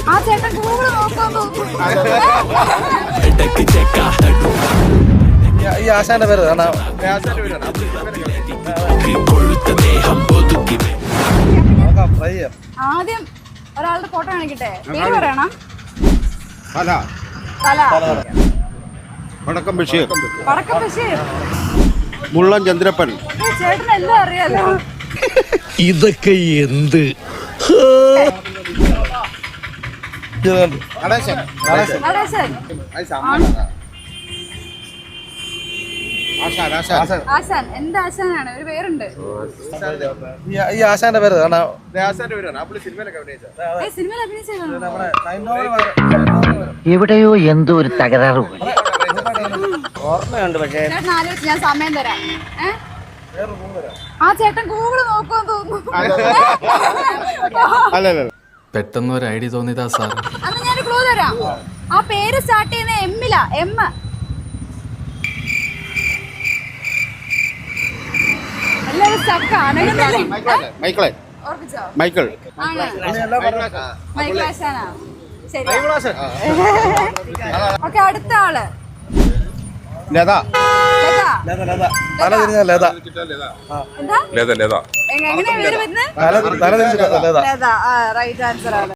ആ ചേട്ടൻ ഗൂഗിൾ നോക്കാൻ തോന്നുന്നു. ഈ ആശാന്റെ പേര് ആദ്യം ഒരാളുടെ ഫോട്ടോ കാണിക്കട്ടെ, പേര് പറയണം. വടക്കം ബഷീർ, വടക്കം ബഷീർ, മുള്ളൻ ചന്ദ്രപ്പൻ. ചേട്ടന് എല്ലാം അറിയാലോ. ഇതൊക്കെ എന്ത്? നടേശൻ. ആശാൻ. എന്ത് ആശാനാണ്? ഒരു പേരുണ്ട്. ഈ ആശാന്റെ പേര് സിനിമയിൽ അഭിനയിച്ചതാണ്. എവിടെയോ എന്തോ ഒരു തകരാറ് ഓർമ്മയുണ്ട്. പക്ഷേ ചേട്ടൻ ആലോചിച്ച് ഞാൻ സമയം തരാം. ആ ചേട്ടൻ ഗൂഗിള് നോക്കാൻ തോന്നുന്നു. പെട്ടെന്ന് ഒരു ഐഡിയ തോന്നിയതാ സാർ. അന്ന് ഞാൻ ക്ലൂ തരാം. ആ പേര് സ്റ്റാർട്ട് ചെയ്യുന്ന എമ്മിലാ. എം. എല്ലാവരും സ്റ്റക്കാണ്. ഓർപ്പിച്ചോ? മൈക്കിൾ. ആണ്. മൈക്കിൾ ആശാനാ. ശരി. ഓക്കെ, അടുത്ത ആള്. ലത. തല തിരിഞ്ഞ ലത. എന്താ? എങ്ങനെയാ പേര് വരുന്നത്? തല തിരിഞ്ഞ ലത. ലത. റൈറ്റ് ആൻസർ ആണ്.